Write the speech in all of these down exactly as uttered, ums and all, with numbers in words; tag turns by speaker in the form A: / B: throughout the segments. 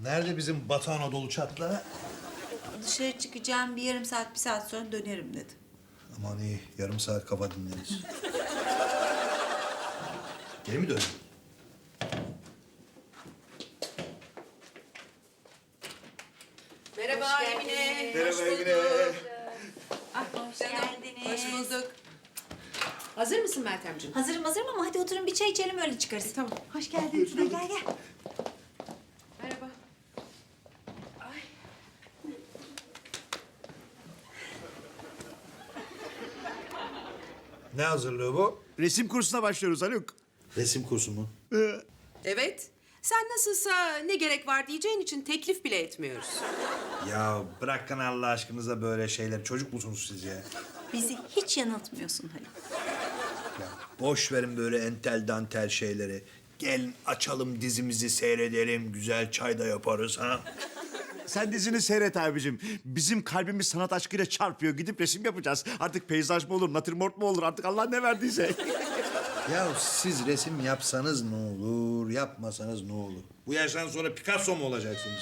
A: Nerede bizim Batı Anadolu çatlağı?
B: Dışarı çıkacağım, bir yarım saat, bir saat sonra dönerim dedi.
A: Aman iyi, yarım saat kafa dinleriz. Geri mi döndün?
C: Merhaba Emine.
A: Merhaba Emine.
B: Hoş geldiniz.
C: Hoş bulduk. Hazır mısın Meltemciğim?
B: Hazırım hazırım ama hadi oturun bir çay içelim öyle çıkarız.
C: Tamam.
B: Hoş geldin. Gel gel gel.
C: Merhaba.
A: Ne hazırlığı bu?
D: Resim kursuna başlıyoruz Haluk.
A: Resim kursu mu?
C: Evet. Sen nasılsa ne gerek var diyeceğin için teklif bile etmiyoruz.
A: Ya bırakın Allah aşkınıza böyle şeyler. Çocuk musunuz siz ya?
B: Bizi hiç yanıltmıyorsun Haluk.
A: Ya boş verin böyle entel dantel şeyleri. Gelin açalım dizimizi seyredelim. Güzel çay da yaparız ha.
D: Sen dizini seyret abicim. Bizim kalbimiz sanat aşkıyla çarpıyor. Gidip resim yapacağız. Artık peyzaj mı olur, natürmort mu olur? Artık Allah ne verdiyse.
A: Ya siz resim yapsanız ne olur, yapmasanız ne olur? Bu yaştan sonra Picasso mu olacaksınız?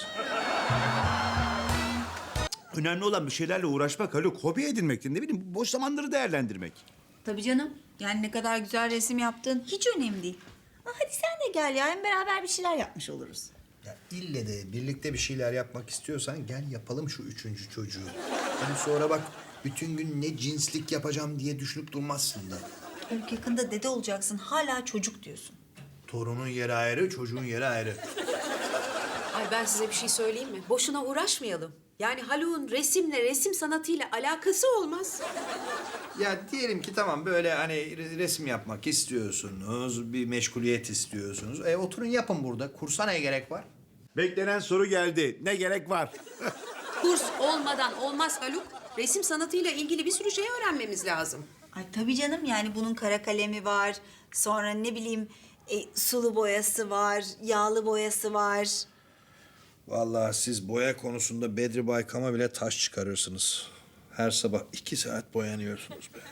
D: Önemli olan bir şeylerle uğraşmak Haluk. Hobi edinmek, ne bileyim boş zamanları değerlendirmek.
B: Tabii canım. Yani ne kadar güzel resim yaptın hiç önemli değil. Ha, hadi sen de gel ya. Hem beraber bir şeyler yapmış oluruz.
A: Ya ille de birlikte bir şeyler yapmak istiyorsan gel yapalım şu üçüncü çocuğu. Hani sonra bak bütün gün ne cinslik yapacağım diye düşünüp durmazsın da.
B: Haluk yakında dede olacaksın. Hala çocuk diyorsun.
A: Torunun yeri ayrı, çocuğun yeri ayrı.
C: Ay ben size bir şey söyleyeyim mi? Boşuna uğraşmayalım. Yani Haluk'un resimle, resim sanatıyla alakası olmaz.
A: Ya diyelim ki tamam böyle hani re- resim yapmak istiyorsunuz, bir meşguliyet istiyorsunuz. E oturun yapın burada. Kursa ne gerek var?
D: Beklenen soru geldi. Ne gerek var?
C: Kurs olmadan olmaz Haluk. Resim sanatıyla ilgili bir sürü şey öğrenmemiz lazım.
B: Ay tabii canım yani bunun kara kalemi var. Sonra ne bileyim e, sulu boyası var, yağlı boyası var.
A: Vallahi siz boya konusunda Bedri Baykam'a bile taş çıkarırsınız. Her sabah iki saat boyanıyorsunuz be.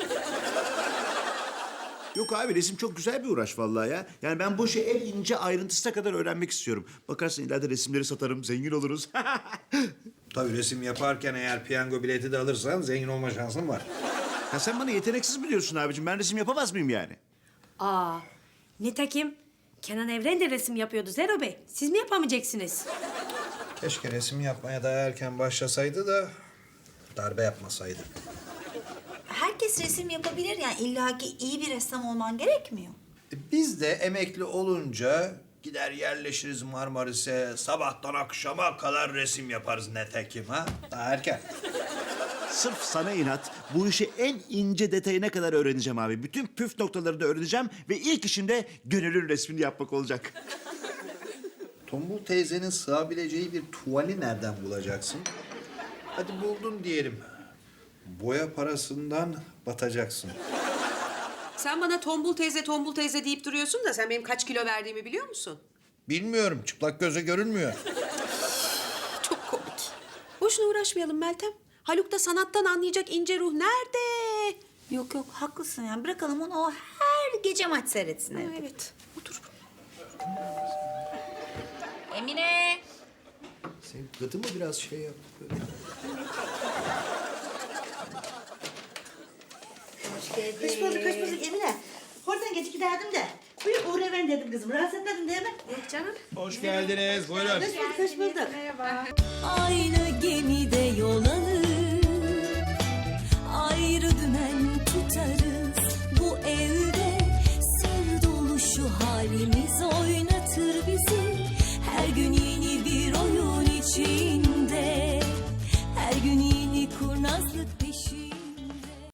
D: Yok abi resim çok güzel bir uğraş vallahi ya. Yani ben bu işi en ince ayrıntısına kadar öğrenmek istiyorum. Bakarsın ileride resimleri satarım, zengin oluruz.
A: Tabii resim yaparken eğer piyango bileti de alırsan zengin olma şansın var.
D: Ya sen bana yeteneksiz biliyorsun abicim. Ben resim yapamaz mıyım yani?
E: Aa, nitekim Kenan Evren de resim yapıyordu Zero Bey. Siz mi yapamayacaksınız?
A: Keşke resim yapmaya daha erken başlasaydı da darbe yapmasaydı.
B: Herkes resim yapabilir yani illaki iyi bir ressam olman gerekmiyor.
A: E, Biz de emekli olunca gider yerleşiriz Marmaris'e, sabahtan akşama kadar resim yaparız netekim ha. Daha erken.
D: Sırf sana inat bu işi en ince detayına kadar öğreneceğim abi. Bütün püf noktalarını öğreneceğim ve ilk işim de gönüllü resmini yapmak olacak.
A: Tombul teyzenin sığabileceği bir tuvali nereden bulacaksın? Hadi buldun diyelim. Boya parasından batacaksın.
C: Sen bana tombul teyze, tombul teyze deyip duruyorsun da sen benim kaç kilo verdiğimi biliyor musun?
A: Bilmiyorum, çıplak göze görünmüyor.
C: Çok komik. Boşuna uğraşmayalım Meltem. Haluk da sanattan anlayacak ince ruh nerede?
B: Yok yok haklısın yani bırakalım onu o her gece maç seyretsin evde.
C: Evet, otur.
B: Emine.
A: Senin gıdı mı biraz şey yap?
B: Hoş geldin.
F: Hoş bulduk, hoş bulduk Emine. Oradan geçip giderdim de. Buyur uğra ben dedim kızım. Rahatsız etmedin değil mi?
C: Yok canım.
A: Hoş geldiniz, buyurun.
F: Hoş bulduk, hoş bulduk.
B: Aynı